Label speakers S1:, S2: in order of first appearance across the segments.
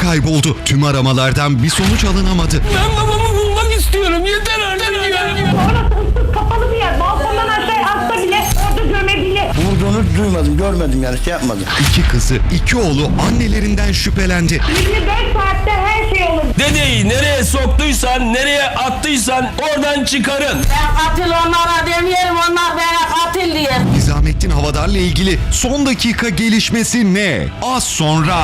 S1: kayboldu. Tüm aramalardan bir sonuç alınamadı.
S2: Ben babamı bulmak istiyorum. Yeter artık ya.
S3: Orası kapalı bir yer. Balkondan aşağı atsa bile orada gömebilir.
S4: Vurduğunu duymadım, görmedim yani şey yapmadım.
S1: İki kızı, iki oğlu annelerinden şüphelendi.
S3: 24 saatte her şey olur.
S2: Dedeyi nereye soktuysan, nereye attıysan oradan çıkarın.
S5: Ben katil onlara demeyelim, onlar bana katil diye.
S1: Nizamettin Havadar'la ilgili son dakika gelişmesi ne? Az sonra.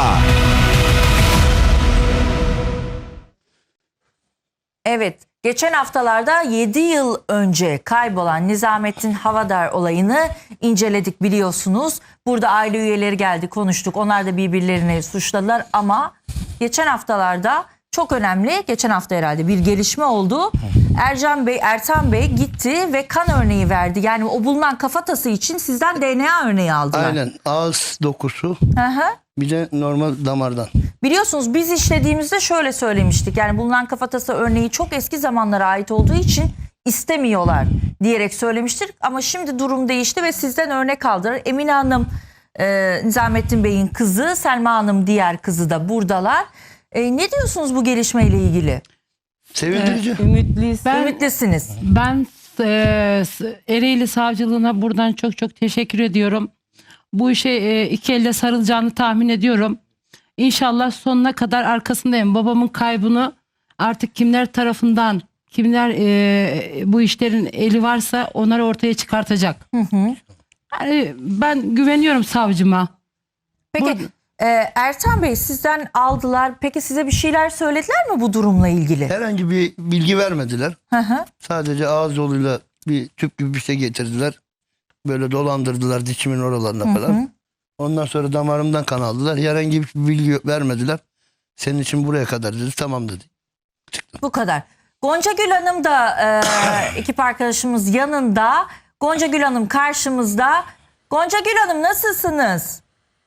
S6: Evet, geçen haftalarda 7 yıl önce kaybolan Nizamettin Havadar olayını inceledik biliyorsunuz. Burada aile üyeleri geldi, konuştuk. Onlar da birbirlerini suçladılar ama geçen haftalarda çok önemli, geçen hafta herhalde bir gelişme oldu. Ertan Bey gitti ve kan örneği verdi. Yani o bulunan kafatası için sizden DNA örneği aldılar.
S4: Aynen, ağız dokusu,
S6: Hı hı.
S4: bir de normal damardan.
S6: Biliyorsunuz biz işlediğimizde şöyle söylemiştik. Yani bulunan kafatası örneği çok eski zamanlara ait olduğu için istemiyorlar diyerek söylemiştik. Ama şimdi durum değişti ve sizden örnek aldılar. Emine Hanım, Nizamettin Bey'in kızı, Selma Hanım diğer kızı da buradalar. Ne diyorsunuz bu gelişmeyle ilgili?
S4: Sevindirici.
S6: Ümitlisiniz.
S7: Ben Ereğli Savcılığına buradan çok çok teşekkür ediyorum. Bu işe iki elle sarılacağını tahmin ediyorum. İnşallah sonuna kadar arkasındayım. Babamın kaybını artık kimler tarafından, kimler bu işlerin eli varsa onları ortaya çıkartacak. Yani ben güveniyorum savcıma.
S6: Peki Ertan Bey sizden aldılar. Peki size bir şeyler söylediler mi bu durumla ilgili?
S4: Herhangi bir bilgi vermediler.
S6: Hı hı.
S4: Sadece ağız yoluyla bir tüp gibi bir şey getirdiler. Böyle dolandırdılar dişimin oralarına falan. Ondan sonra damarımdan kan aldılar. Herhangi bir bilgi vermediler. Senin için buraya kadar dedi. Tamam dedi.
S6: Bu kadar. Gonca Gül Hanım da ekip arkadaşımız yanında. Gonca Gül Hanım karşımızda. Gonca Gül Hanım nasılsınız?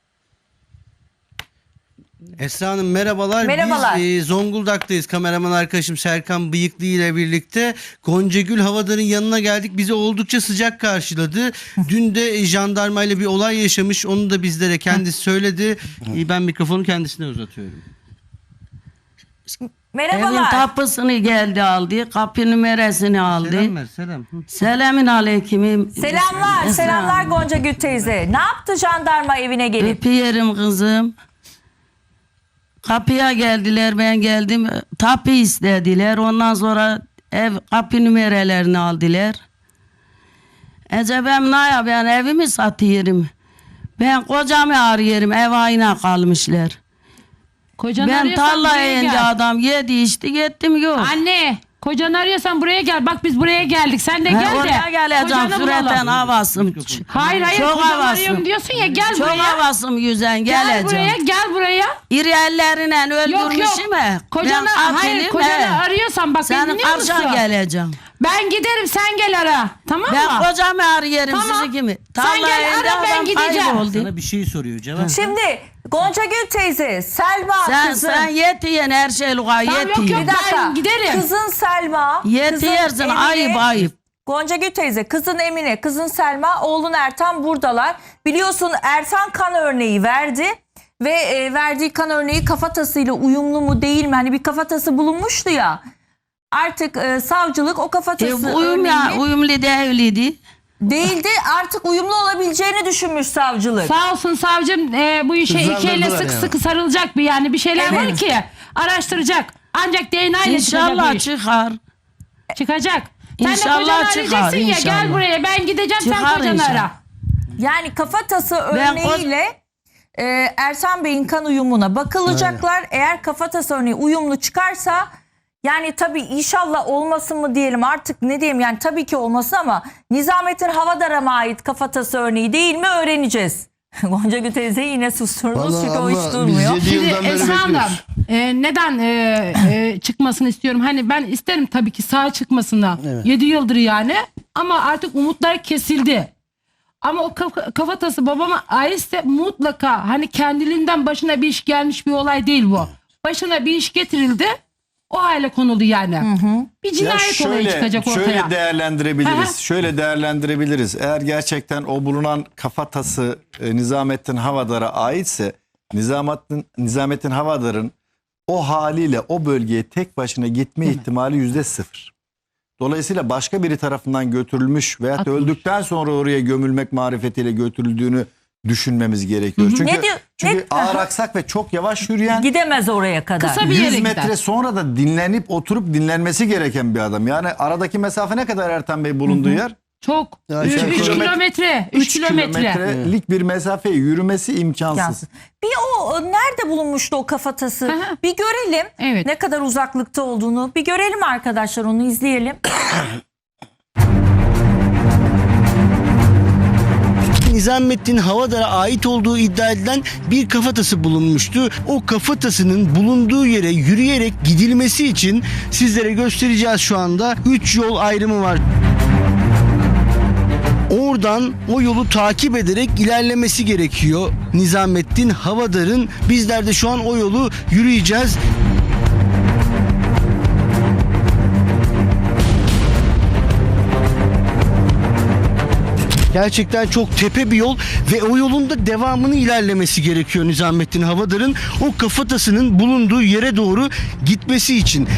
S8: Esra Hanım merhabalar.
S6: Merhabalar.
S8: Biz Zonguldak'tayız. Kameraman arkadaşım Serkan Bıyıklı ile birlikte Goncagül Havadar'ın yanına geldik. Bizi oldukça sıcak karşıladı. Dün de jandarmayla bir olay yaşamış. Onu da bizlere kendisi söyledi. Ben mikrofonu kendisine uzatıyorum.
S5: Evin
S6: Merhabalar.
S5: kapısını geldi aldı, kapı numarasını aldı.
S8: Selam ver selam.
S5: Selamün aleyküm.
S6: Selamlar.
S5: Esra
S6: Selamlar
S5: Hanım.
S6: Gonca Gül teyze. Ne yaptı jandarma evine gelip?
S5: Öpüyorum kızım. Kapıya geldiler, ben geldim. Tapu istediler. Ondan sonra ev kapı numaralarını aldılar. Acaba ne ya, ben evimi satıyorum. Ben kocamı arıyorum, ev ayına kalmışlar.
S7: Kocanı
S5: Ben
S7: arıyorsan
S5: tarlaya
S7: buraya
S5: ince
S7: gel.
S5: adam yedi içti gittim yok.
S7: Anne, kocanı arıyorsan buraya gel. Bak biz buraya geldik. Sen de gel de.
S5: Oraya geleceğim,
S7: kocanı
S5: süreten
S7: bulalım.
S5: havasım.
S7: Hayır
S5: Çok
S7: kocanı
S5: havasım.
S7: arıyorum diyorsun ya, gel
S5: Çok
S7: buraya.
S5: havasım yüzen
S7: Gel
S5: geleceğim.
S7: buraya, gel buraya.
S5: İri elleriyle
S7: Yok
S5: öldürmüşüm he.
S7: Kocanı,
S5: Ben
S7: hayır
S5: katilim
S7: kocanı
S5: he.
S7: arıyorsan bak beni
S5: Senin
S7: dinliyor musun?
S5: karşına geleceğim.
S7: Ben giderim, sen gel ara. Tamam
S5: Ben
S7: mı?
S5: kocamı arıyorum,
S7: Tamam.
S5: sizi kimi?
S7: Sen gel
S5: Tarlaya
S7: ara, ben
S5: adam
S7: gideceğim.
S5: kayboldu.
S8: Sana bir şey soruyor cevap.
S6: Şimdi Gonca Gül teyze, Selma kızın.
S5: Sen yetiyen her şey luğa
S7: Tamam, yok,
S5: yetiyen.
S7: yok.
S6: Bir dakika.
S7: Ben giderim.
S6: Kızın Selma.
S5: Yetiyersin,
S6: kızın Emine,
S5: ayıp ayıp.
S6: Gonca Gül teyze, kızın Emine, kızın Selma, oğlun Ertan buradalar. Biliyorsun Ertan kan örneği verdi. Ve verdiği kan örneği kafatasıyla uyumlu mu değil mi? Hani bir kafatası bulunmuştu ya. Artık savcılık o kafatası
S5: Uyum ya,
S6: örneğini
S5: uyumlu değildi.
S6: değildi. Artık uyumlu olabileceğini düşünmüş savcılık.
S7: Sağ olsun savcım, bu işe iki elle sık
S4: yani.
S7: sıkı sarılacak bir, yani bir şeyler var
S6: Evet.
S7: ki araştıracak. Ancak DNA ile çıkacak bu
S5: İnşallah
S7: iş.
S5: çıkar.
S7: Çıkacak. Sen de
S5: İnşallah
S7: kocanı
S5: çıkar,
S7: arayacaksın ya,
S5: inşallah.
S7: gel buraya, ben gideceğim, sen
S5: Çıkar
S7: kocanı
S5: inşallah.
S7: ara.
S6: Yani kafatası örneğiyle Ertan Bey'in kan uyumuna bakılacaklar. Eğer kafatası örneği uyumlu çıkarsa, yani tabii inşallah olmasın mı diyelim artık, ne diyeyim, yani tabii ki olmasın ama Nizamettin Havadar'a mı ait kafatası örneği değil mi öğreneceğiz. Gonca Gül teyze yine susturdunuz
S4: Vallahi
S6: çünkü o
S4: abla,
S6: hiç
S4: biz
S6: durmuyor.
S4: 7
S7: Şimdi
S4: yıldan beri
S7: Esra Hanım,
S4: bekliyoruz.
S7: neden çıkmasını istiyorum? Hani ben isterim tabii ki sağ çıkmasını.
S4: Evet.
S7: 7 yıldır yani, ama artık umutlar kesildi. Ama o kafatası babama aitse mutlaka, hani kendiliğinden başına bir iş gelmiş bir olay değil bu. Başına bir iş getirildi, o hale konuldu yani. Bir cinayet olayı çıkacak ortaya.
S9: Şöyle değerlendirebiliriz.
S7: Aha.
S9: Şöyle değerlendirebiliriz. Eğer gerçekten o bulunan kafatası Nizamettin Havadar'a aitse, Nizamettin Havadar'ın o haliyle o bölgeye tek başına gitme ihtimali %0. Dolayısıyla başka biri tarafından götürülmüş veya
S7: Atılmış.
S9: öldükten sonra oraya gömülmek marifetiyle götürüldüğünü düşünmemiz gerekiyor. Çünkü,
S6: Ne diyor- ne-
S9: ağır aksak ve çok yavaş yürüyen,
S6: Gidemez oraya kadar.
S7: Kısa bir yere
S9: 100 metre
S7: gider.
S9: sonra da dinlenip oturup dinlenmesi gereken bir adam. Yani aradaki mesafe ne kadar Ertan Bey bulunduğu yer?
S7: Çok.
S4: Ya
S7: 3
S4: aşağı yukarı-
S7: kilometre. 3 kilometre.
S9: kilometrelik bir mesafeyi yürümesi imkansız.
S6: Yansın. Bir o nerede bulunmuştu o kafatası?
S7: Hı hı.
S6: Bir görelim.
S7: Evet.
S6: Ne kadar uzaklıkta olduğunu. Bir görelim arkadaşlar, onu izleyelim.
S8: Nizamettin Havadar'a ait olduğu iddia edilen bir kafatası bulunmuştu. O kafatasının bulunduğu yere yürüyerek gidilmesi için sizlere göstereceğiz şu anda. 3 yol ayrımı var. Oradan o yolu takip ederek ilerlemesi gerekiyor Nizamettin Havadar'ın. Bizler de şu an o yolu yürüyeceğiz. Gerçekten çok tepe bir yol ve o yolun da devamını ilerlemesi gerekiyor Nizamettin Havadar'ın o kafatasının bulunduğu yere doğru gitmesi için.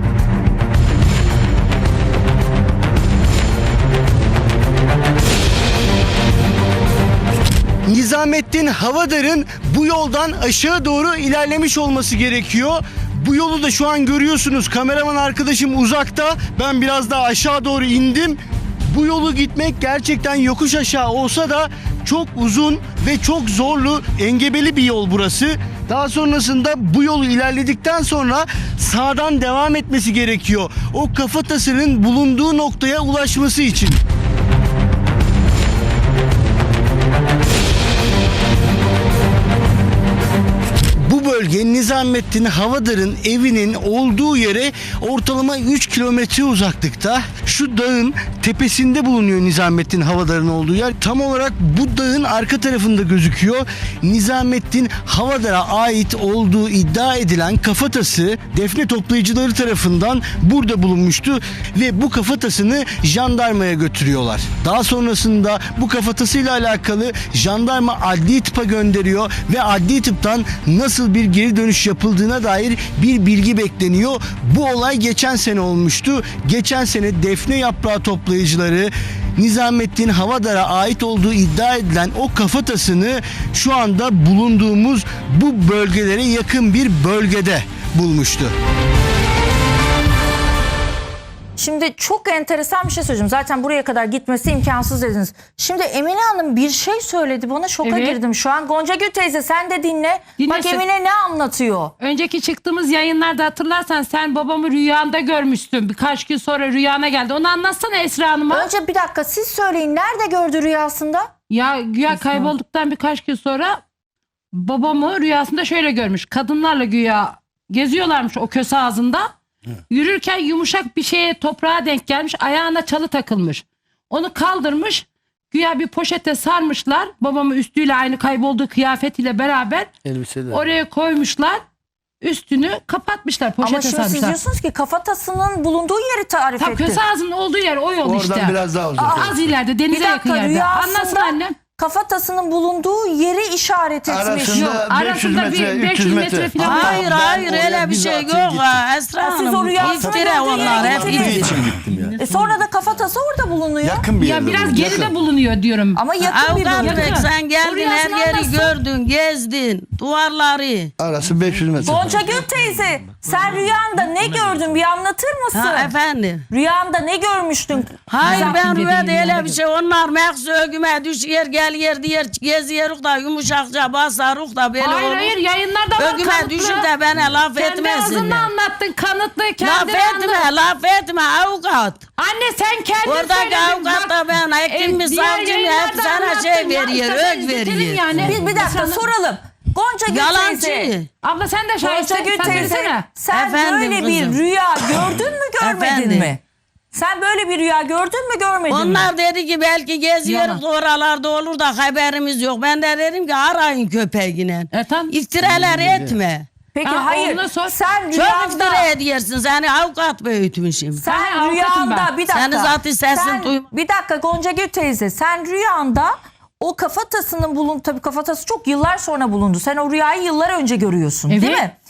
S8: Nizamettin Havadar'ın bu yoldan aşağı doğru ilerlemiş olması gerekiyor. Bu yolu da şu an görüyorsunuz. Kameraman arkadaşım uzakta. Ben biraz daha aşağı doğru indim. Bu yolu gitmek gerçekten yokuş aşağı olsa da çok uzun ve çok zorlu, engebeli bir yol burası. Daha sonrasında bu yolu ilerledikten sonra sağdan devam etmesi gerekiyor. O kafatasının bulunduğu noktaya ulaşması için. Bu bölge Nizamettin Havadar'ın evinin olduğu yere ortalama 3 kilometre uzaklıkta. Şu dağın tepesinde bulunuyor Nizamettin Havadar'ın olduğu yer. Tam olarak bu dağın arka tarafında gözüküyor. Nizamettin Havadar'a ait olduğu iddia edilen kafatası defne toplayıcıları tarafından burada bulunmuştu ve bu kafatasını jandarmaya götürüyorlar. Daha sonrasında bu kafatasıyla alakalı jandarma adli tıpa gönderiyor ve adli tıptan nasıl bir geri dönüş yapıldığına dair bir bilgi bekleniyor. Bu olay geçen sene olmuştu. Geçen sene defne yaprağı toplayıcıları Nizamettin Havadar'a ait olduğu iddia edilen o kafatasını şu anda bulunduğumuz bu bölgelere yakın bir bölgede bulmuştu.
S6: Şimdi çok enteresan bir şey söyleyeceğim. Zaten buraya kadar gitmesi imkansız dediniz. Şimdi Emine Hanım bir şey söyledi. Bana şoka
S7: Evet.
S6: girdim şu an. Gonca Gül teyze sen de dinle.
S7: Dinlesin.
S6: Bak Emine ne anlatıyor?
S7: Önceki çıktığımız yayınlarda hatırlarsan sen babamı rüyanda görmüştün. Birkaç gün sonra rüyana geldi. Onu anlatsana Esra Hanım'a.
S6: Önce bir dakika siz söyleyin. Nerede gördü rüyasında?
S7: Ya güya kaybolduktan birkaç gün sonra babamı rüyasında şöyle görmüş. Kadınlarla güya geziyorlarmış o köse ağzında. Yürürken yumuşak bir şeye, toprağa denk gelmiş. Ayağına çalı takılmış. Onu kaldırmış. Güya bir poşete sarmışlar. Babamı üstüyle aynı kaybolduğu kıyafetiyle beraber
S4: Elbiseler.
S7: oraya koymuşlar. Üstünü kapatmışlar. Poşete
S6: Ama şimdi siz
S7: sarmışlar.
S6: diyorsunuz ki kafatasının bulunduğu yeri tarif
S7: Tam
S6: etti.
S7: köse ağzının olduğu yer o yol
S4: Oradan
S7: işte.
S4: biraz daha uzak.
S7: Az ileride,
S6: Bir
S7: denize yakın
S6: dakika
S7: yerde. Anlasın
S6: rüyasında
S7: annem.
S6: kafatasının bulunduğu yeri işaret etmiş.
S4: Arasında
S6: Yok.
S4: 500
S7: Arasında
S4: metre,
S7: bir
S4: 300 metre.
S7: falan.
S5: Hayır
S9: Ben
S5: hayır
S9: oraya
S5: öyle bir şey
S9: bizatihi
S5: yok
S9: gittim.
S5: ha Esra
S6: Ha, siz
S5: Hanım.
S6: o rüyasını
S5: İftira
S6: gördüğü
S5: onlar
S6: yere
S5: hep
S6: gittiniz.
S5: iftira.
S9: için gittim ya.
S6: Sonra da kafatası orada bulunuyor.
S9: Yakın bir
S7: Ya
S9: yerde.
S7: biraz
S9: bulundum.
S7: geride
S9: Yakın.
S7: bulunuyor diyorum.
S6: Ama yakın bir
S5: Avukat
S6: bölge.
S5: Bey sen geldin
S7: Rüyasını
S5: her yeri
S7: anlatsın.
S5: gördün, gezdin, duvarları.
S4: Arası 500 metre.
S6: Gonca Gül teyze sen rüyanda ne gördün bir anlatır mısın?
S5: Ha efendim.
S6: Rüyanda ne görmüştün?
S5: Hayır
S7: Zaten
S5: ben rüyada
S7: dediğim
S5: öyle
S7: yerde
S5: bir şey. Onlar meksu ögüme düşüyor geliyor diyor geziyoruz da yumuşakça basarız da böyle
S7: Hayır
S5: olur.
S7: hayır yayınlarda var
S5: Ögüme
S7: kanıtlı.
S5: düşür de bana laf
S7: Kendi
S5: etmesinler.
S7: ağzından anlattın kanıtlı.
S5: Laf
S7: Kendi
S5: etme laf etme avukat.
S7: Anne sen kendin
S5: Oradaki
S7: söyledin.
S5: avukat da ben hakim mi
S7: diğer
S5: savcı mı hep
S7: yayınlarda
S5: sana
S7: anlattın
S5: şey
S7: ya.
S5: veriyor
S7: İstersen
S5: ök
S7: izletelim
S5: veriyor.
S7: yani.
S6: Bir dakika
S7: Sana-
S6: soralım. Gonca Gül teyze.
S5: Yalancı.
S7: Abla sen de
S6: Gonca
S7: şahitsin.
S6: Gül
S7: Sen
S6: teyze
S7: desene.
S6: sen
S5: Efendim
S6: böyle bir
S5: kızım.
S6: rüya gördün mü görmedin
S5: Efendim.
S6: mi? Sen böyle bir rüya gördün mü görmedin mi?
S5: Onlar dedi ki belki geziyoruz oralarda olur da haberimiz yok. Ben de dedim ki arayın köpeğine.
S7: Tamam.
S5: İftiralar etme.
S6: Peki
S7: Ha,
S6: hayır
S7: oğluna sor.
S6: sen
S5: Çok
S6: rüyanda
S5: iftira ediyorsun. Seni avukat büyütmüşüm.
S6: sen
S7: Ben avukatım
S6: rüyanda
S7: ben.
S6: bir dakika.
S5: Seni zaten sesin duym-
S6: Bir dakika Gonca Gül teyze sen rüyanda o kafatasının tabii kafatası çok yıllar sonra bulundu. Sen o rüyayı yıllar önce görüyorsun değil
S7: Evet.
S6: mi?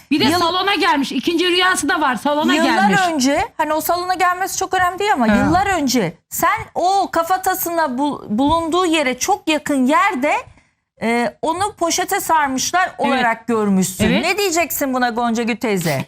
S7: Bir de salona gelmiş. İkinci rüyası da var. Salona gelmiş.
S6: Yıllar önce, hani o salona gelmesi çok önemli değil ama yıllar önce sen o kafatasına bulunduğu yere çok yakın yerde onu poşete sarmışlar olarak görmüşsün.
S7: Evet.
S6: Ne diyeceksin buna Goncagül teyze?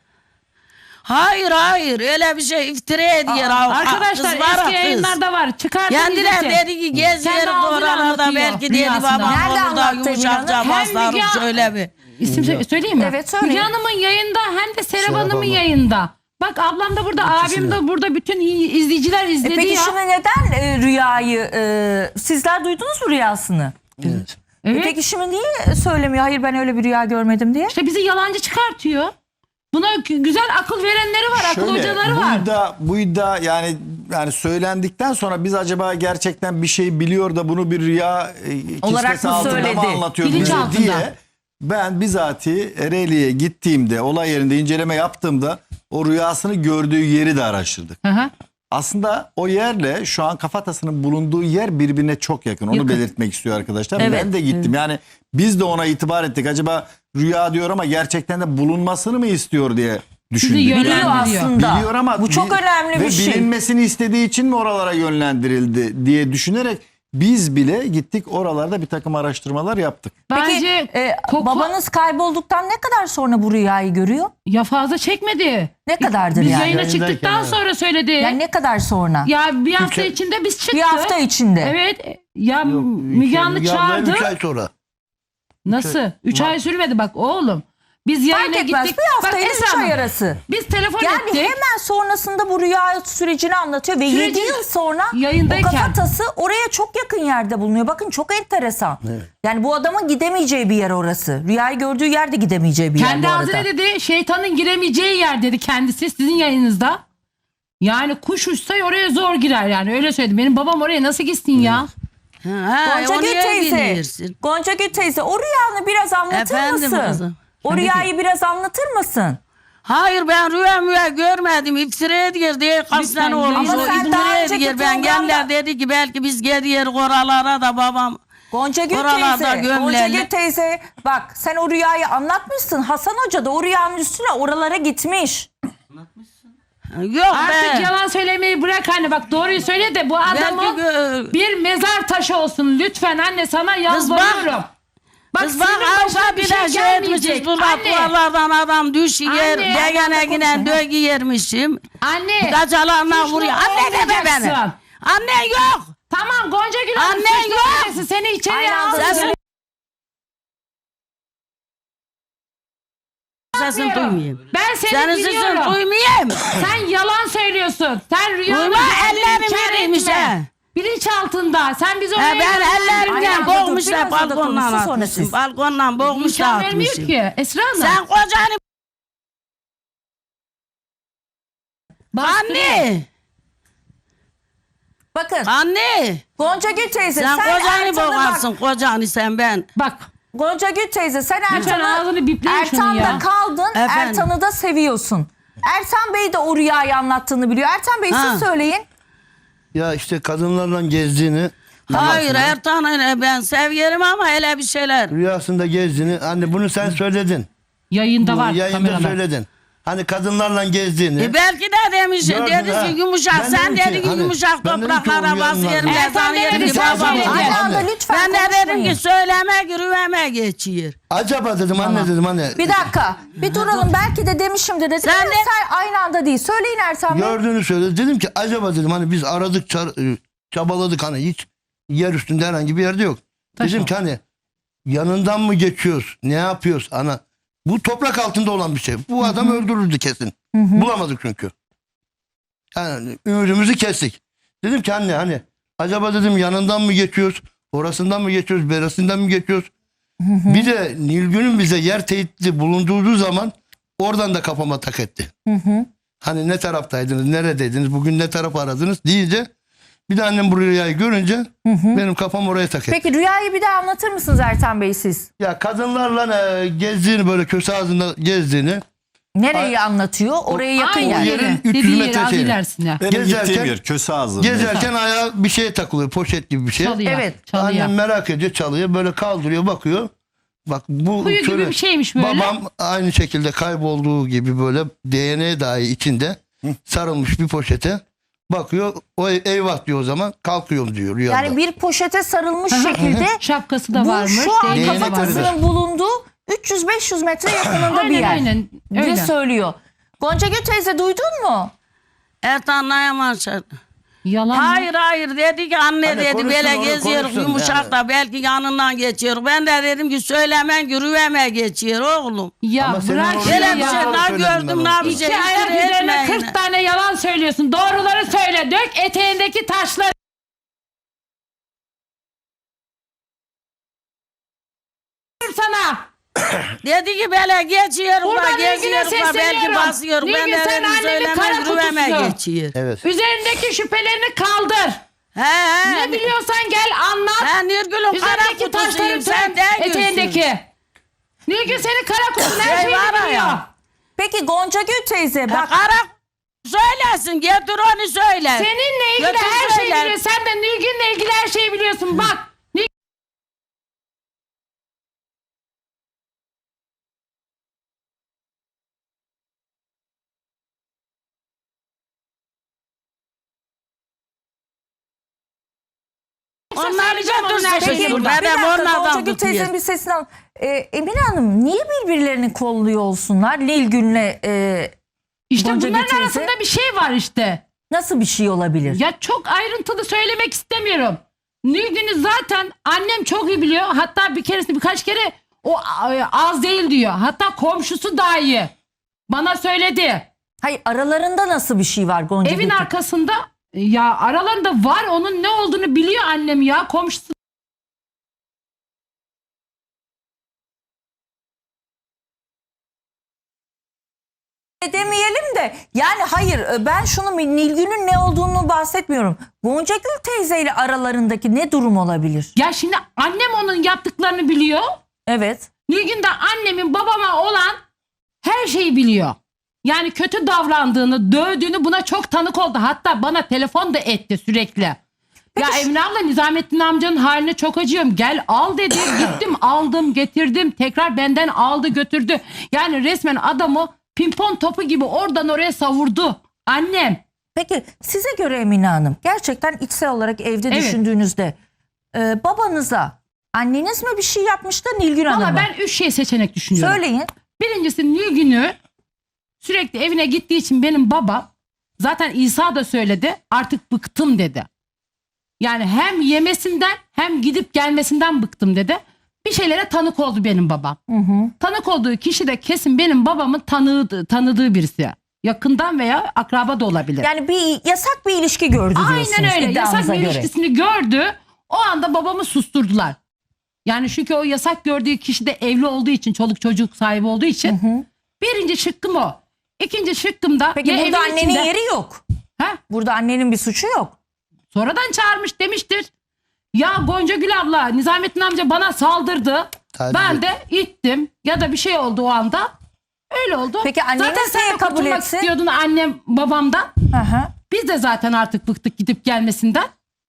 S5: Hayır öyle bir şey iftira ediyor.
S7: Arkadaşlar eski yayınlarda var. Çıkartın
S5: Kendiler
S7: izletin.
S5: dedi ki geziyor
S7: Kendi ağzıyla
S5: oralarda
S7: anlatıyor
S5: belki dedi
S7: rüyasında.
S5: babam
S6: Nerede
S5: orada
S6: anlattı
S5: yumuşakça
S6: Emine
S7: Hanım?
S5: basarım
S7: Hem
S5: şöyle bir.
S7: İsim söyleyeyim mi?
S6: Evet, söyle.
S7: Müge Hanım'ın yayında hem de Serap
S4: Serap
S7: Hanım'ın
S4: Hanım.
S7: yayında. Bak ablam da burada, abim de burada, bütün izleyiciler izledi
S6: Peki
S7: ya.
S6: şimdi neden rüyayı sizler duydunuz mu rüyasını?
S4: Evet.
S7: Evet.
S6: Peki şimdi niye söylemiyor? Hayır ben öyle bir rüya görmedim diye.
S7: İşte bizi yalancı çıkartıyor. Buna güzel akıl verenleri var, akıl hocaları var.
S9: Bu iddia yani söylendikten sonra biz acaba gerçekten bir şey biliyor da bunu bir rüya
S6: Olarak
S9: kisvesi
S6: mı
S9: altında
S6: söyledi?
S9: mı anlatıyor
S7: Bilinç
S9: bize
S7: altında.
S9: diye ben bizatihi Ereğli'ye gittiğimde, olay yerinde inceleme yaptığımda o rüyasını gördüğü yeri de araştırdık.
S7: Hı hı.
S9: Aslında o yerle şu an kafatasının bulunduğu yer birbirine çok yakın. Onu
S7: Yakın.
S9: belirtmek istiyor arkadaşlar.
S6: Evet.
S9: Ben de gittim. Yani biz de ona itibar ettik. Acaba rüya diyor ama gerçekten de bulunmasını mı istiyor diye düşündük.
S7: Sizi
S6: Biliyor
S7: yönlendiriyor.
S6: aslında.
S9: Biliyor ama
S6: bu çok önemli
S9: ve
S6: bir şey.
S9: bilinmesini istediği için mi oralara yönlendirildi diye düşünerek biz bile gittik oralarda bir takım araştırmalar yaptık.
S7: Bence
S6: Peki babanız kaybolduktan ne kadar sonra bu rüyayı görüyor?
S7: ya fazla çekmedi.
S6: Ne kadardır
S7: Biz
S6: yani?
S7: yayına
S4: Yayındayken,
S7: çıktıktan
S4: evet.
S7: sonra söyledi.
S6: Yani ne kadar sonra?
S7: Ya bir hafta içinde biz çıktık.
S6: Bir hafta içinde.
S7: Evet. Ya Müge Anlı çağırdı.
S4: 3 ay sonra.
S7: Nasıl? 3 ay sürmedi bak oğlum. Biz yayına
S6: Fark etmez.
S7: gittik.
S6: Bir hafta
S7: Bak
S6: ile
S7: Esra
S6: 3 ay
S7: Hanım,
S6: arası.
S7: biz telefon
S6: Yani
S7: ettik.
S6: hemen sonrasında bu rüya sürecini anlatıyor ve
S7: Süreci-
S6: 7 yıl sonra
S7: Yayındayken.
S6: o kafatası oraya çok yakın yerde bulunuyor. Bakın çok enteresan. Yani bu adamın gidemeyeceği bir yer orası. Rüyayı gördüğü yerde gidemeyeceği bir yer
S7: Kendi
S6: bu arada.
S7: ağzıyla dedi şeytanın giremeyeceği yer dedi kendisi sizin yayınınızda. Yani kuş uçsa oraya zor girer yani öyle söyledi. Benim babam oraya nasıl gitsin ya?
S5: Ha, o
S6: Goncagül
S5: niye
S6: teyze,
S5: biliyorsun?
S6: Goncagül teyze o rüyanı biraz anlatır
S5: Efendim
S6: mısın?
S5: kızım.
S6: O rüyayı biraz anlatır mısın?
S5: Hayır ben rüya görmedim. İftira ediyor diye kaç
S7: Lütfen,
S5: tane olmuş.
S6: ama
S5: O
S6: sen daha
S5: iftira
S6: önceki
S5: ediyor. Ben
S6: programda-
S5: geller dedi ki belki biz gidiyoruz oralara da babam.
S6: Goncagül
S5: Oralarda
S6: teyze,
S5: gömleli.
S6: Goncagül teyze bak sen o rüyayı anlatmışsın. Hasan Hoca da o rüyanın üstüne oralara gitmiş.
S5: Yok
S7: Artık
S5: be.
S7: yalan söylemeyi bırak anne bak doğruyu söyle de bu adamın bir mezar taşı olsun lütfen anne sana yalvarıyorum.
S5: Kız bak
S7: senin başına
S5: aşağı bir de şey
S7: gelmeyecek.
S5: etmişiz. Bu
S7: Anne,
S5: duvarlardan adam düşüyor.
S7: Anne,
S5: Degene giden dögü yermişim.
S7: anne.
S5: Kaçalarına
S7: Suçlu
S5: vuruyor. Anne deme beni.
S7: olmayacaksın.
S5: Anne yok.
S7: Tamam Goncagül Hanım
S5: Annen
S7: suçlu
S5: yok.
S7: olmasın, seni içeriye
S6: Aynen,
S7: alsın.
S6: sen-
S5: Sesini duymayayım.
S7: Ben seni
S5: Senin sesini
S7: biliyorum.
S5: duymayayım.
S7: Sen yalan söylüyorsun. Sen rüyanı
S5: Duyma, ellerim yeriymiş ha.
S7: Bilinç altında. Sen bizi oraya
S5: Ben ellerimden
S6: Aynen,
S5: boğmuşlar
S6: biraz da
S5: balkondan
S6: konuşsun, sonra
S5: atmışım.
S6: siz.
S5: Balkondan boğmuşlar
S7: İmkan vermiyor
S5: atmışım.
S7: ki Esra Hanım.
S5: Sen kocanı anne.
S6: Bakın
S5: Anne.
S6: Goncagül teyze
S5: Sen kocanı
S6: Ertan'ı bak.
S5: boğarsın kocanı sen ben.
S7: Bak
S6: Goncagül teyze sen
S7: Lütfen ağzını bipleyin şunu
S6: Ertan'da
S7: ya.
S6: kaldın.
S5: Efendim?
S6: Ertan'ı da seviyorsun. Ertan Bey de o rüyayı anlattığını biliyor. Ertan Bey
S5: Ha.
S6: siz söyleyin.
S4: Ya işte kadınlarla gezdiğini,
S5: Hayır Ertan'ı ben severim ama hele bir şeyler.
S4: rüyasında gezdiğini. Anne bunu sen söyledin.
S7: yayında
S4: Bu
S7: var
S4: yayında
S7: kameralar.
S4: söyledin. Hani kadınlarla gezdiğini.
S5: Belki de demiş
S4: Gördün
S5: dedi
S4: ha.
S5: ki yumuşak
S4: Ben
S5: sen
S4: dedim ki,
S5: dedi ki
S4: hani,
S5: yumuşak
S4: ben dedim ki
S5: topraklara
S4: o
S5: basıyorum
S4: yanlar-
S5: ben
S7: Ertan
S5: sana
S7: dedi,
S5: yerim ki
S7: sen
S5: babam.
S7: söyle.
S6: Aynı anda
S4: Anne.
S6: lütfen
S5: Ben de dedim
S6: konuşmayın.
S5: ki söylemek rüveme geçiyor.
S4: Acaba dedim anne dedim hani.
S6: Bir dakika. Bir duralım. Belki de demişimdir dedim.
S5: Sen
S6: Ama
S5: de-
S6: sen aynı anda değil. Söyleyin Ertan Bey.
S4: Gördüğünü söyledi. Dedim ki acaba dedim hani biz aradık çabaladık hani hiç yer üstünde herhangi bir yerde yok. Dedim ki hani yanından mı geçiyoruz? Ne yapıyoruz? Ana bu toprak altında olan bir şey. Bu adam öldürürdü kesin. Bulamadık çünkü. Yani ümidimizi kestik. Dedim ki anne hani acaba dedim yanından mı geçiyoruz? Orasından mı geçiyoruz? Berasından mı geçiyoruz? Bir de Nilgün'ün bize yer teyitli bulunduğu zaman oradan da kafama tak etti. Hani ne taraftaydınız, neredeydiniz, bugün ne taraf aradınız deyince bir de annem bu rüyayı görünce benim kafam oraya tak etti.
S6: Peki rüyayı bir daha anlatır mısınız Ertan Bey siz?
S4: Ya kadınlarla gezdiğini böyle köse ağzında gezdiğini
S6: Nereyi anlatıyor? Oraya yakın
S7: Aynı
S6: yer.
S4: yerin
S7: yeri.
S4: 300
S7: Dediği
S4: metre
S7: yeri az
S4: şeyi.
S7: ilerisine.
S9: Benim
S4: Gezerken-
S9: gittiğim yer köse ağzı.
S4: gezerken ayağa bir şey takılıyor, poşet gibi bir şey.
S7: Çalıya.
S6: Evet.
S7: Çalıya.
S4: Annem merak ediyor, çalıyor, böyle kaldırıyor, bakıyor. Bak bu
S7: Kuyu gibi
S4: şöyle,
S7: bir şeymiş böyle.
S4: babam aynı şekilde kaybolduğu gibi böyle DNA dahi içinde sarılmış bir poşete bakıyor. O eyvah diyor, o zaman kalkıyorum diyor rüyada.
S6: Yani bir poşete sarılmış şekilde
S7: Şapkası da
S6: bu
S7: varmış.
S6: şu an
S7: DNA
S6: kafatasının bulunduğu 300-500 metre yakınında bir
S7: Aynen,
S6: yer.
S7: aynen,
S6: diye
S7: öyle.
S6: söylüyor. Gonca Gül teyze duydun mu?
S5: Et anlayamaz.
S7: Yalan mı?
S5: Hayır dedi ki anne
S4: Hani
S5: dedi
S4: konuşsun,
S5: böyle
S4: onu
S5: geziyor
S4: konuşsun
S5: yumuşak
S4: yani.
S5: da belki yanından geçiyor. Ben de dedim ki söylemen yürüyeme geçiyor oğlum.
S7: Ya
S4: Ama senin
S7: bırak
S4: orada
S5: Böyle
S7: ya.
S5: bir
S4: yalan
S5: şey daha
S4: söyledim ben
S5: gördüm
S4: orada.
S5: ne bir şey.
S7: İki ayak üzerine 40 tane yalan söylüyorsun. Doğruları söyle. Dök eteğindeki taşları. Sana.
S5: Dedi ki böyle geçiyor
S7: Buradan
S5: da
S7: Nilgün'e
S5: geziyor da belki
S7: sesleniyorum.
S5: basıyor. Ben
S7: Nilgün,
S5: de
S7: sen
S5: dedim
S7: annenin kara
S5: söylemen yürüyeme
S7: kutusu.
S5: geçiyor.
S4: Evet.
S7: Üzerindeki şüphelerini kaldır.
S5: He.
S7: Ne biliyorsan gel anlat.
S5: Ben Nurgül'ün kara
S7: Üzerindeki taşları
S5: kutusuyum sen de
S7: tök. Eteğindeki. Nilgün senin kara kutun her
S5: Şey var
S7: şeyini biliyor.
S5: ya.
S6: Peki Gonca Gül teyze bak
S5: Kara söylesin getir onu söyle.
S7: Seninle ilgili
S5: Götür
S7: her şeyi
S5: söyle.
S7: biliyor. Sen de Nilgün'le ilgili her şeyi biliyorsun. Bak.
S5: Onlar
S7: söyleyeceğim onun her
S5: götürsün.
S7: şeyini.
S6: Peki,
S7: burada.
S6: bir dakika
S5: onlardan
S6: Gonca Gül
S5: tutuyor.
S6: teyzenin bir sesini al. Emine Hanım niye birbirlerini kolluyor olsunlar? Nilgün'le
S7: İşte
S6: Gonca Gül
S7: bunların
S6: teyze.
S7: arasında bir şey var işte.
S6: nasıl bir şey olabilir?
S7: Ya çok ayrıntılı söylemek istemiyorum. Nilgün'ü zaten annem çok iyi biliyor. Hatta birkaç kere o az değil diyor. Hatta komşusu dahi bana söyledi.
S6: Hayır aralarında nasıl bir şey var Gonca
S7: Evin
S6: Gül teyze?
S7: arkasında ya aralarında var, onun ne olduğunu biliyor annem ya, komşusu.
S6: Demeyelim de yani hayır ben şunu Nilgün'ün ne olduğunu bahsetmiyorum. Gonca Gül teyzeyle aralarındaki ne durum olabilir?
S7: Ya şimdi annem onun yaptıklarını biliyor.
S6: Evet.
S7: Nilgün de annemin babama olan her şeyi biliyor. Yani kötü davrandığını, dövdüğünü buna çok tanık oldu. Hatta bana telefon da etti sürekli. Ya Emine abla Nizamettin amcanın haline çok acıyorum. Gel al dedi. Gittim aldım getirdim. Tekrar benden aldı götürdü. Yani resmen adamı pimpon topu gibi oradan oraya savurdu. Annem.
S6: Peki size göre Emine Hanım gerçekten içsel olarak evde
S7: Evet.
S6: düşündüğünüzde babanıza anneniz mi bir şey yapmıştı Nilgün Hanım
S7: Valla
S6: mı?
S7: ben 3 şey seçenek düşünüyorum.
S6: Söyleyin.
S7: Birincisi Nilgün'ü sürekli evine gittiği için benim babam, zaten İsa da söyledi, artık bıktım dedi. Yani hem yemesinden hem gidip gelmesinden bıktım dedi. Bir şeylere tanık oldu benim babam. Tanık olduğu kişi de kesin benim babamın tanıdığı birisi. Yakından veya akraba da olabilir.
S6: Yani bir yasak bir ilişki gördü diyorsunuz
S7: Aynen öyle.
S6: iddianıza
S7: Yasak bir
S6: göre.
S7: ilişkisini gördü. O anda babamı susturdular. Yani çünkü o yasak gördüğü kişi de evli olduğu için, çoluk çocuk sahibi olduğu için. Birinci şıkkım o. İkinci şıkkım da
S6: Peki
S7: ya
S6: burada
S7: evin
S6: annenin
S7: içinde-
S6: yeri yok.
S7: Ha?
S6: Burada annenin bir suçu yok.
S7: Sonradan çağırmış demiştir. Ya Gonca Gül abla, Nizamettin amca bana saldırdı.
S4: Tabii.
S7: Ben de ittim ya da bir şey oldu o anda. Öyle oldu.
S6: Peki anneniz
S7: zaten sen
S6: niye
S7: de
S6: kabul
S7: kurtulmak
S6: etsin?
S7: istiyordun annem babamdan.
S6: Hı hı.
S7: Biz de zaten artık bıktık gidip gelmesinden.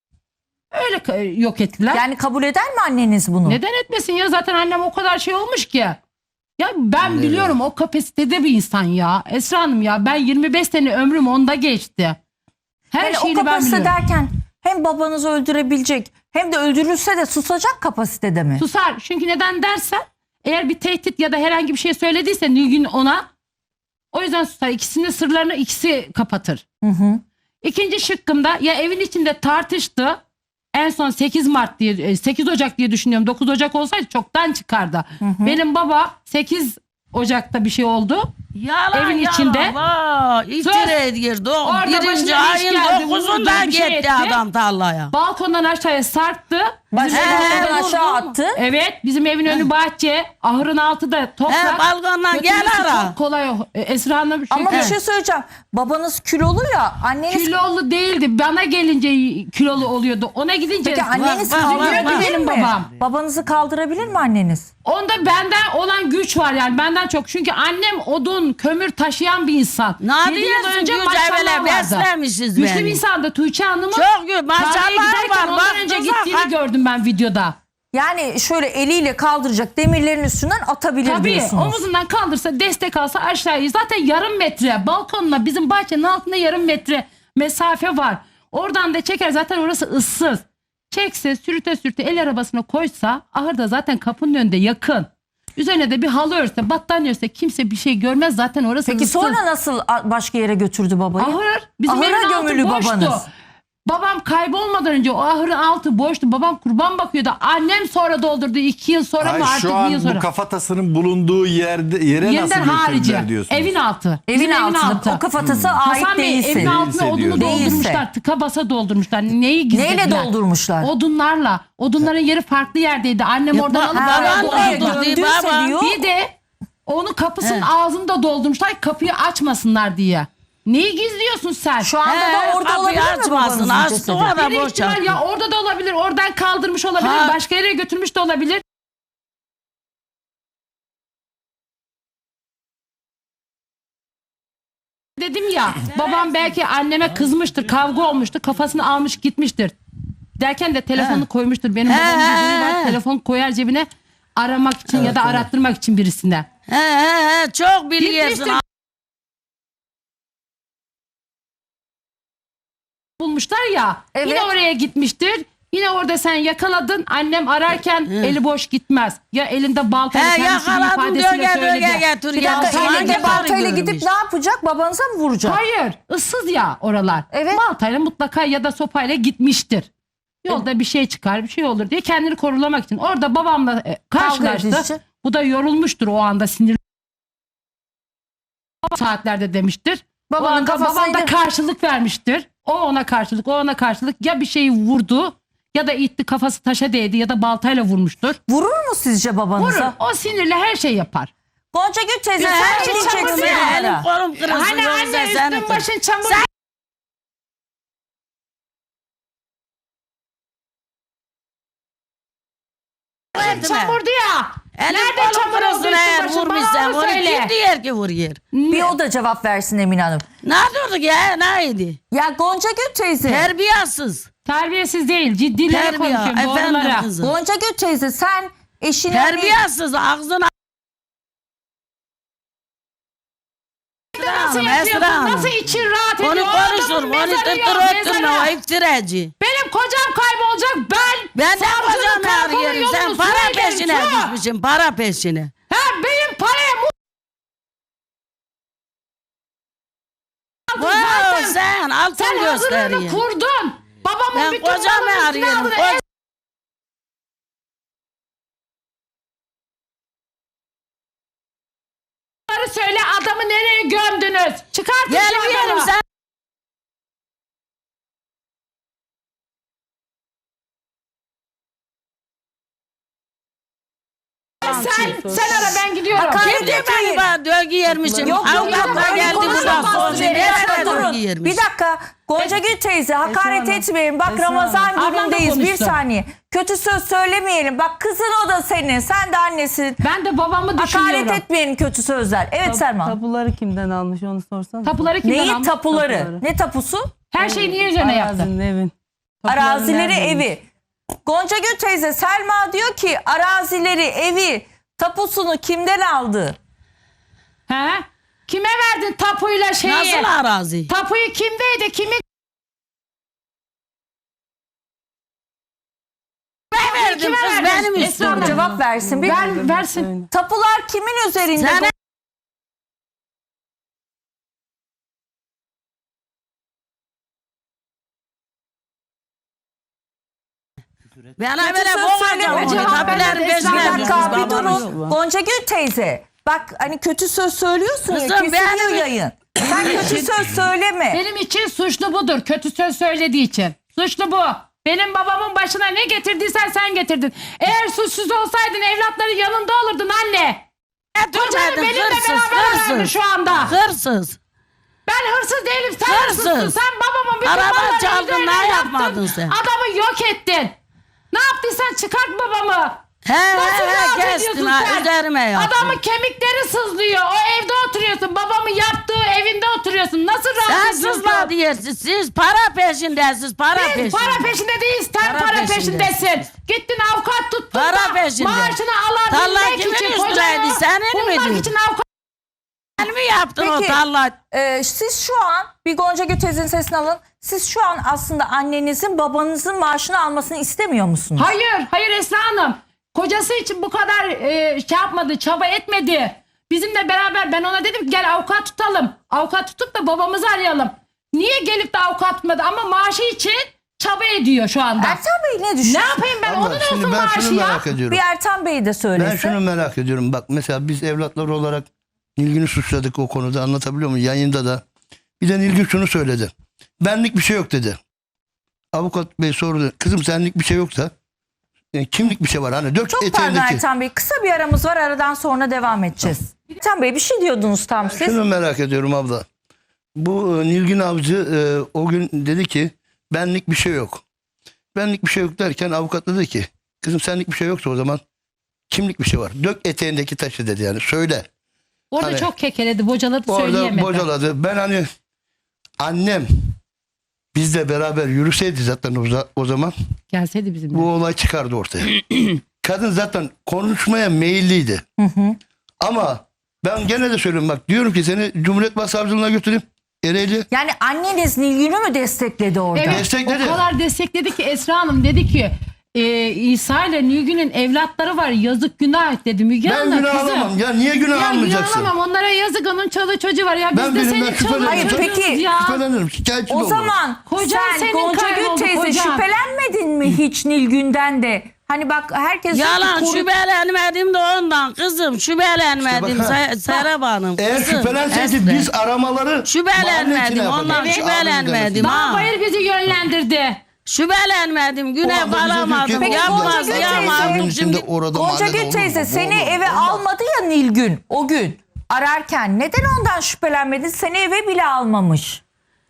S7: Öyle yok ettiler.
S6: Yani kabul eder mi anneniz bunu?
S7: Neden etmesin ya, zaten annem o kadar şey olmuş ki. Ya ben biliyorum o kapasitede bir insan ya. Esra Hanım ya, ben 25 sene ömrüm onda geçti. Her
S6: Yani o
S7: şeyini ben
S6: kapasite
S7: biliyorum.
S6: derken hem babanızı öldürebilecek hem de öldürülse de susacak kapasitede mi?
S7: Susar. Çünkü neden dersen, eğer bir tehdit ya da herhangi bir şey söylediyse Nilgün ona, o yüzden susar. İkisinin sırlarını ikisi kapatır. İkinci şıkkımda ya evin içinde tartıştı. En son 8 Ocak diye düşünüyorum. 9 Ocak olsaydı çoktan çıkardı. Benim baba 8 Ocak'ta bir şey oldu.
S5: Yalan
S7: Evin
S5: yalan.
S7: içinde.
S5: Vay, iftira ediyordu.
S7: Orada
S5: Birinci
S7: başına iş
S5: ayın
S7: geldi,
S5: 9'unda
S7: vurdu, bir şey
S5: gitti
S7: etti.
S5: adam tarlaya.
S7: Balkondan aşağıya sarktı. Bizim evin
S6: Balkondan
S7: önü-
S6: aşağı attı.
S7: Evet, bizim evin önü bahçe, ahırın altı da toprak.
S5: Balkondan gel
S7: Götürmesi
S5: ara.
S7: çok kolay. Esra Hanım
S6: Ama bir
S7: çünkü
S6: şey söyleyeceğim. Babanız kilolu ya anneniz...
S7: kilolu değildi. Bana gelince kilolu oluyordu. Ona gidince
S6: Peki anneniz
S5: bak, bak,
S6: kaldırabilir
S5: bak.
S7: benim
S6: mi?
S7: babam.
S6: Babanızı kaldırabilir mi anneniz?
S7: Onda benden olan güç var yani, benden çok. Çünkü annem odun, kömür taşıyan bir insan.
S5: Ne
S7: 7 yıl
S5: diyorsun
S7: önce
S5: güç
S7: maşallah
S5: evvela
S7: vardı.
S5: beslemişiz
S7: Güçlü bir
S5: beni.
S7: insandı Tuğçe Hanım'ın.
S5: Çok güzel.
S7: Tarlaya
S5: Maşallah
S7: giderken
S5: var.
S7: ondan önce gittiğini gördüm ben videoda.
S6: Yani şöyle eliyle kaldıracak, demirlerin üstünden atabilir
S7: Tabii
S6: diyorsunuz.
S7: omuzundan kaldırsa, destek alsa aşağıya zaten yarım metre balkonla bizim bahçenin altında yarım metre mesafe var. Oradan da çeker, zaten orası ıssız. Çekse, sürüte sürüte el arabasına koysa, ahırda zaten kapının önünde yakın. Üzerine de bir halı örse, battaniye örse kimse bir şey görmez, zaten orası
S6: Peki
S7: ıssız.
S6: sonra nasıl başka yere götürdü babayı?
S7: Ahır bizim
S6: Ahıra
S7: evin altı
S6: gömülü
S7: boştu.
S6: babanız.
S7: Babam kaybolmadan önce o ahırın altı boştu. Babam kurban bakıyordu. Annem sonra doldurdu. 2 yıl sonra mı artık
S9: şu
S7: 1
S9: an
S7: yıl sonra.
S9: bu kafatasının bulunduğu yere
S7: Yeniden
S9: nasıl
S7: harici.
S9: götürdüler diyorsunuz?
S7: Evin altı.
S6: Evin
S7: Bizim
S6: altında. O kafatası ait
S7: Hasan Bey
S6: değilsin.
S7: evin altına
S9: Değilse
S7: odunu
S9: diyor.
S7: doldurmuşlar. Tıka basa doldurmuşlar. Neyi gizlediler?
S6: Neyle doldurmuşlar?
S7: Odunlarla. Odunların yeri farklı yerdeydi. Annem oradan alıp
S6: Ha,
S7: oraya
S6: oraya gömdüyse diyor.
S7: Bir de onun kapısının ağzını da doldurmuşlar. Kapıyı açmasınlar diye. Neyi gizliyorsun sen?
S6: Şu anda da orada olabilir mi babanızın cesedi?
S7: Bir ihtimal ya orada da olabilir. Oradan kaldırmış olabilir. Başka yere götürmüş de olabilir. Dedim ya, babam belki anneme kızmıştır, kavga olmuştur, kafasını almış gitmiştir. Derken de telefonu koymuştur. Benim babamın bir huyu var, telefon koyar cebine aramak için ya da arattırmak için birisine.
S5: Çok biliyorsun.
S7: Gitmiştir. Bulmuşlar ya,
S6: Evet.
S7: yine oraya gitmiştir. Yine orada sen yakaladın. Annem ararken eli boş gitmez. Ya elinde baltayla kendisinin
S5: Yakaladım diyor,
S7: ifadesiyle
S5: gel
S7: söyledi.
S5: getir
S6: Bir
S5: ya.
S6: dakika,
S5: Hangi
S6: elinde
S5: karı
S6: baltayla gidip
S5: görmüş?
S6: ne yapacak? Babanıza mı vuracak?
S7: Hayır, ıssız ya oralar.
S6: Evet.
S7: Baltayla mutlaka ya da sopayla gitmiştir. Yolda bir şey çıkar, bir şey olur diye kendini korulamak için. Orada babamla karşılaştı.
S6: edici.
S7: Bu da yorulmuştur o anda, sinirli saatlerde demiştir.
S6: Babanın
S7: O anda babam
S6: kafasıyla-
S7: da karşılık vermiştir. O ona karşılık, o ona karşılık. Ya bir şeyi vurdu ya da itti, kafası taşa değdi ya da baltayla vurmuştur.
S6: Vurur mu sizce babanıza?
S7: Vurur. O sinirle her şey yapar.
S6: Gonca Gül teyze sen
S5: Her
S6: ne
S5: şey
S6: diyeceksin
S5: çamur ya.
S6: bunlara?
S5: Elim kolum kırılsın.
S7: Hani
S5: yoksa
S7: anne
S5: seni
S7: üstün
S5: kır.
S7: başın çamur. Çamurdu ya.
S5: Elim
S7: Nerede
S5: kolum
S7: çamur oldu
S5: kırılsın
S7: üstün
S5: eğer
S7: başın?
S5: vurmuşsan.
S7: Bana onu
S5: Onu
S7: söyle.
S5: kim diyor ki vuruyor?
S6: Bir o da cevap versin Emine Hanım.
S5: Ne durduk ya? Neydi?
S6: Ya Gonca Gül teyze.
S5: Terbiyesiz.
S7: Terbiyesiz değil. Ciddileri
S5: Terbiye.
S7: konuşuyorum.
S5: Efendim
S7: Doğrulara.
S5: kızım.
S6: Gonca Gül teyze sen eşine
S5: Terbiyesiz. Ağzına
S7: Nasıl
S5: Hanım,
S7: yapıyorsun?
S5: Esra Hanım.
S7: Nasıl için rahat ediyor?
S5: onu
S7: O adamın
S5: konuşur. Onu
S7: mezarı yok,
S5: tıttır
S7: mezarı.
S5: o iftiracı.
S7: Benim kocam kaybolacak.
S5: Ben de
S7: savcının
S5: kocamı
S7: karakolu
S5: arıyorum. Sen
S7: yolunu
S5: para
S7: söylerim,
S5: peşine
S7: şu.
S5: düşmüşsün. Para peşine.
S7: Ha, benim paraya
S5: Wow, sen altın
S7: sen hazırlığını
S5: gösteriyorsun.
S7: kurdun. Babamın
S5: Ben
S7: bütün
S5: kocamı
S7: malını üstüne
S5: arıyorum.
S7: aldın. Söyle, adamı nereye gömdünüz? Çıkartın
S5: Gel
S7: şu
S5: bir yerim
S7: adamı.
S5: sen.
S7: Sen ara, ben gidiyorum.
S5: Kim diyor beni bana dövgü yermişim?
S6: Yok,
S5: Avukatlar
S6: öyle
S5: geldi burada.
S6: konuşamazsın.
S5: Sorsun.
S6: Bir dakika
S5: Nerede
S6: durun.
S5: dövgü yermiş?
S6: Bir dakika. Gonca Gül teyze hakaret etmeyelim. Bak Ramazan
S7: Ablam da
S6: günündeyiz. Bir
S7: konuştu.
S6: saniye. Kötü söz söylemeyelim. Bak kızın o da senin. Sen de annesin.
S7: Ben de babamı düşünüyorum.
S6: Hakaret etmeyelim kötü sözler. Evet Selman.
S10: Tapuları kimden almış onu sorsana.
S7: Tapuları kimden
S6: Neyi
S7: almış?
S6: tapuları?
S10: Tapuları.
S6: Ne tapusu?
S7: Her şeyi niye üzerine yaptı?
S10: Arazinin, evin. Tapuları
S6: Arazileri,
S10: neredeymiş?
S6: evi. Gonca Gül teyze Selma diyor ki arazileri, evi, tapusunu kimden aldı?
S7: He? Kime verdin tapuyla şeyi?
S5: Nasıl arazi?
S7: Tapuyu kimdeydi? Kimin?
S5: verdim
S7: Kime
S5: kız
S7: verdin?
S5: benim
S7: Esra
S5: üstüme.
S7: Hanım.
S6: Cevap versin. Bir
S7: Versin.
S6: tapular kimin üzerinde?
S5: Sen bana
S6: Kötü
S5: böyle
S6: söz
S5: boğacağım
S6: söyleme,
S5: onu.
S7: cevap
S5: Tabilerin
S7: vermedi.
S5: peşine
S6: Bir
S7: Esra
S5: düşmüş
S6: dakika bir
S5: babanız.
S6: durun. Gonca Gül teyze. Bak hani kötü söz söylüyorsun ya
S5: Kızım,
S6: kesiliyor
S5: benim-
S6: yayın. Sen kötü söz söyleme.
S7: Benim için suçlu budur. Kötü söz söylediği için. Suçlu bu. Benim babamın başına ne getirdiysen sen getirdin. Eğer suçsuz olsaydın evlatların yanında olurdun anne. Kocanı
S5: Durmadın,
S7: benimle
S5: hırsız,
S7: beraber verdi
S5: hırsız.
S7: şu anda.
S5: Hırsız.
S7: Ben hırsız değilim. Sen
S5: Hırsız.
S7: hırsızsın. Sen babamın bütün
S5: Araba
S7: mallarını
S5: çaldın,
S7: üzerine
S5: ne
S7: yaptın.
S5: yapmadın sen?
S7: Adamı yok ettin. Ne yaptıysan çıkart babamı.
S5: He
S7: Nasıl
S5: he he
S7: razıydın diyorsun
S5: ha,
S7: sen?
S5: üzerime yaptın.
S7: Adamın kemikleri sızlıyor. O evde oturuyorsun. Babamın yaptığı evinde oturuyorsun. Nasıl
S5: Sen
S7: rahat ediyorsun?
S5: sızma diyorsun. Siz para peşindesiniz. Para
S7: Biz
S5: peşinde.
S7: para peşinde değiliz. Sen
S5: Para
S7: para
S5: peşindesin.
S7: peşindesin. Gittin avukat tuttun
S5: Para
S7: da
S5: peşinde.
S7: maaşını
S5: Tarla
S7: alabilmek
S5: kimin
S7: için
S5: üstüneydi?
S7: kocana
S5: Senin mi
S7: bulmak
S5: diyor?
S7: için avukat.
S5: Sen mi yaptın o
S6: Peki,
S5: tarla?
S6: Siz şu an bir Gonca Gül teyzenin sesini alın. Siz şu an aslında annenizin babanızın maaşını almasını istemiyor musunuz?
S7: Hayır Esra Hanım. Kocası için bu kadar şey yapmadı, çaba etmedi. Bizimle beraber ben ona dedim ki gel avukat tutalım. Avukat tutup da babamızı arayalım. Niye gelip de avukat tutmadı ama maaşı için çaba ediyor şu anda.
S6: Ertan Bey ne düşünüyor?
S7: Ne yapayım ben?
S4: Ama
S7: Onun
S4: şimdi
S7: olsun
S4: ben
S7: maaşı
S4: şunu
S7: ya.
S4: merak ediyorum.
S6: Bir Ertan Bey de söylesin.
S4: Ben şunu merak ediyorum. Bak mesela biz evlatlar olarak Nilgün'ü suçladık o konuda, anlatabiliyor muyum? Yayında da. Bir de Nilgün şunu söyledi. Benlik bir şey yok dedi. Avukat bey sordu. Kızım senlik bir şey yoksa kimlik bir şey var. Hani dök
S6: Çok pardon
S4: eteğindeki.
S6: Ertan Bey. Kısa bir aramız var. Aradan sonra devam edeceğiz. Ertan Bey bir şey diyordunuz tam siz.
S4: Şunu merak ediyorum abla. Bu Nilgün Avcı o gün dedi ki benlik bir şey yok. Benlik bir şey yok derken avukat dedi ki kızım senlik bir şey yoksa o zaman kimlik bir şey var. Dök eteğindeki taşı dedi, yani söyle.
S7: Orada
S4: Hani
S7: çok kekeledi, bocaladı,
S4: Orada
S7: söyleyemedi.
S4: bocaladı. Ben hani annem bizle beraber yürüseydi zaten o zaman
S7: Gelseydi bizimle.
S4: bu olay çıkardı ortaya. Kadın zaten konuşmaya meyilliydi. Ama ben gene de söylüyorum, bak diyorum ki seni Cumhuriyet Başsavcılığına götüreyim. Ereğli.
S6: Yani anneniz Nilgün'ü mü destekledi orada?
S7: Evet,
S4: Destekledi.
S7: o kadar destekledi ki Esra Hanım dedi ki İsa ile Nilgün'ün evlatları var, yazık günah dedi. Müge
S4: Ben
S7: Hanım
S4: günah
S7: kızım.
S4: alamam. Ya niye günah
S7: Ya
S4: almayacaksın?
S7: günah alamam, onlara yazık, onun çoluğu çocuğu var. Ya biz
S4: Ben
S7: de
S4: birinden
S7: senin çoluğun
S6: Hayır,
S7: çocuğun
S6: peki,
S7: ya.
S4: Şüphelenirim. Şikayetçi de
S6: O
S4: olurum.
S6: zaman
S7: Kocan
S6: sen
S7: senin
S6: Gonca Gül
S7: kayboldu,
S6: teyze
S7: kocan.
S6: şüphelenmedin mi hiç Nilgün'den de? Hani bak herkes diyor ki
S5: Yalan, şüphelenmedim de ondan kızım. Şüphelenmedim
S4: İşte bak,
S5: Serap Hanım.
S4: Eğer
S5: kızım,
S4: şüphelenseydi
S5: Esra.
S4: biz aramaları
S5: Şüphelenmedim,
S4: mahalle içine
S5: ondan
S4: yapardık.
S5: şüphelenmedim.
S7: Dağ
S5: Ha.
S7: bayır bizi yönlendirdi.
S5: Şüphelenmedim.
S4: O
S5: Güne
S4: anda bize diyor
S5: kalamadım.
S4: ki,
S6: Peki,
S5: Yapmaz,
S6: Gonca Gül
S5: yapmaz.
S6: teyze-
S4: Şimdi orada
S6: Gonca
S4: mahallede
S6: Gül
S4: olur
S6: teyze
S4: mu? Bu
S6: seni
S4: olur mu?
S6: eve
S4: Olmaz.
S6: almadı ya Nilgün o gün ararken. Neden ondan şüphelenmedin? Seni eve bile almamış.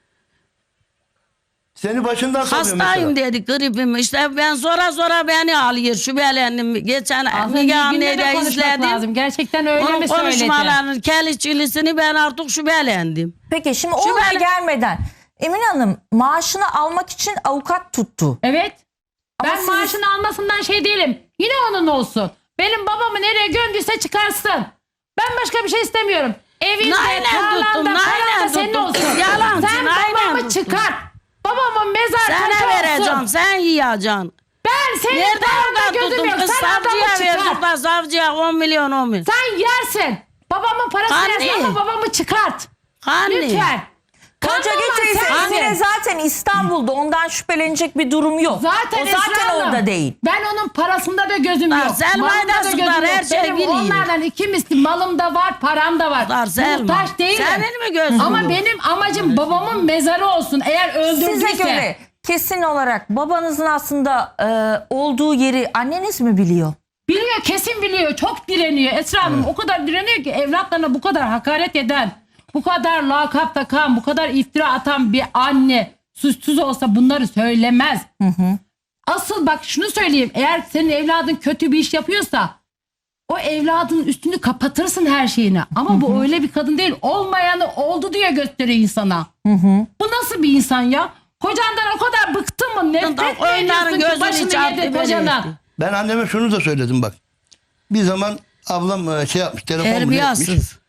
S4: Seni başından sanıyor
S5: Hastayım
S4: mesela.
S5: dedi, gripim. İşte ben zora beni alıyor. Şüphelendim. Geçen Müge
S7: Nilgün'le
S5: Anne'yi
S7: de
S5: de
S7: konuşmak
S5: izledim.
S7: lazım. Gerçekten öyle
S5: Onun
S7: mi söyledi?
S5: konuşmalarının keliçilisini ben artık şüphelendim.
S6: Peki şimdi oraya gelmeden Emine Hanım maaşını almak için avukat tuttu.
S7: Evet.
S6: Ama
S7: Ben
S6: siz-
S7: maaşını almasından şey değilim. Yine onun olsun. Benim babamı nereye gömdüyse çıkarsın. Ben başka bir şey istemiyorum. Evinde,
S5: Aynen
S7: tarlanda,
S5: tuttum,
S7: falan
S5: aynen
S7: da senin
S5: tuttum.
S7: olsun.
S5: Yalancın,
S7: Sen
S5: aynen
S7: babamı
S5: tuttum.
S7: çıkart. Babamın mezar
S5: Sana
S7: taşı
S5: vereceğim,
S7: olsun.
S5: sen yiyeceksin.
S7: Ben senin
S5: Nerede
S7: tarlanda
S5: avukat
S7: gözüm
S5: tuttum?
S7: yok.
S5: Kız
S7: Sen adamı
S5: savcıya verdik
S7: çıkart.
S5: da savcıya 10 milyon 10 milyon.
S7: Sen yersin. Babamın parasını
S5: Anne.
S7: yersin ama babamı çıkart.
S5: Hani?
S7: Lütfen.
S6: Gonca Gül
S7: Kandırma
S6: teyze
S7: sen
S6: Emine
S7: beni.
S6: zaten İstanbul'da, ondan şüphelenecek bir durum yok.
S7: Zaten
S6: o zaten
S7: Esra Hanım,
S6: orada değil.
S7: Ben onun parasında da gözüm
S5: Lan
S7: yok.
S5: Selma'yı
S7: malında
S5: da sıkar, her şey
S7: Benim
S5: biliyor.
S7: onlardan iki misli malım da var, param da var.
S5: Lan Selma,
S7: Muhtaç değilim.
S5: senin mi gözün
S7: Ama
S5: yok?
S7: benim amacım babamın mezarı olsun. Eğer öldürdüyse.
S6: Size göre kesin olarak babanızın aslında olduğu yeri anneniz mi biliyor?
S7: Biliyor, kesin biliyor. Çok direniyor. Esra Hanım o kadar direniyor ki evlatlarına bu kadar hakaret eden, bu kadar lakap takan, bu kadar iftira atan bir anne suçsuz olsa bunları söylemez. Asıl bak şunu söyleyeyim. Eğer senin evladın kötü bir iş yapıyorsa o evladın üstünü kapatırsın her şeyini. Ama bu öyle bir kadın değil. Olmayanı oldu diye gösteriyor insana. Bu nasıl bir insan ya? Kocandan o kadar bıktın mı? Nefret mi
S5: Onların
S7: ediyorsun ki
S5: gözünü
S7: başını
S5: çarptı
S7: yedi
S5: beni
S7: kocana?
S5: işte.
S4: Ben anneme şunu da söyledim bak. Bir zaman ablam şey yapmış, telefon bunu etmiş.
S5: Terbiyesiz.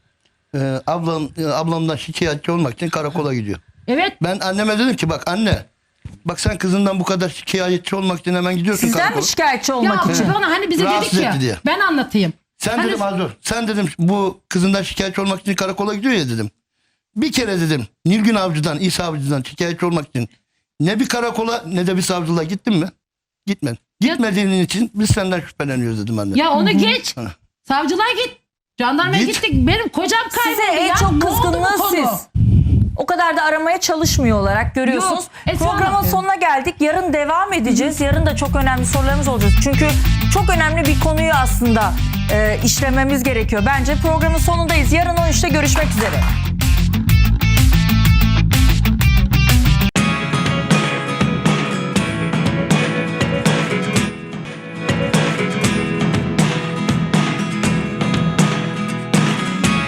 S4: Ablamdan şikayetçi olmak için karakola gidiyor.
S7: Evet.
S4: Ben anneme dedim ki bak anne, bak sen kızından bu kadar şikayetçi olmak için hemen gidiyorsun
S6: Sizden
S4: karakola.
S6: mi şikayetçi olmak
S7: Ya
S6: için?
S7: bana hani bize
S4: Rahatsız
S7: dedik ya.
S4: etti diye.
S7: Ben anlatayım.
S4: Sen
S7: Hani-
S4: dedim Azur, sen dedim bu kızından şikayetçi olmak için karakola gidiyor ya dedim. Bir kere dedim Nilgün Avcı'dan, İsa Avcı'dan şikayetçi olmak için ne bir karakola ne de bir savcılığa gittin mi? Gitmedin. Gitmediğin için biz senden şüpheleniyoruz dedim anne.
S7: Ya onu geç.
S4: Hı.
S7: Savcılığa git. Jandarmaya
S4: Git.
S7: gittik. Benim kocam kayboldu.
S6: Size en
S7: ya.
S6: çok
S7: Ne oldu bu
S6: kızgınlığı
S7: konu?
S6: siz. O kadar da aramaya çalışmıyor olarak görüyorsunuz.
S7: Yok, Esra
S6: Programın
S7: Hanım.
S6: sonuna geldik. Yarın devam edeceğiz. Yarın da çok önemli sorularımız olacak. Çünkü çok önemli bir konuyu aslında işlememiz gerekiyor. Bence programın sonundayız. Yarın 13'te görüşmek üzere.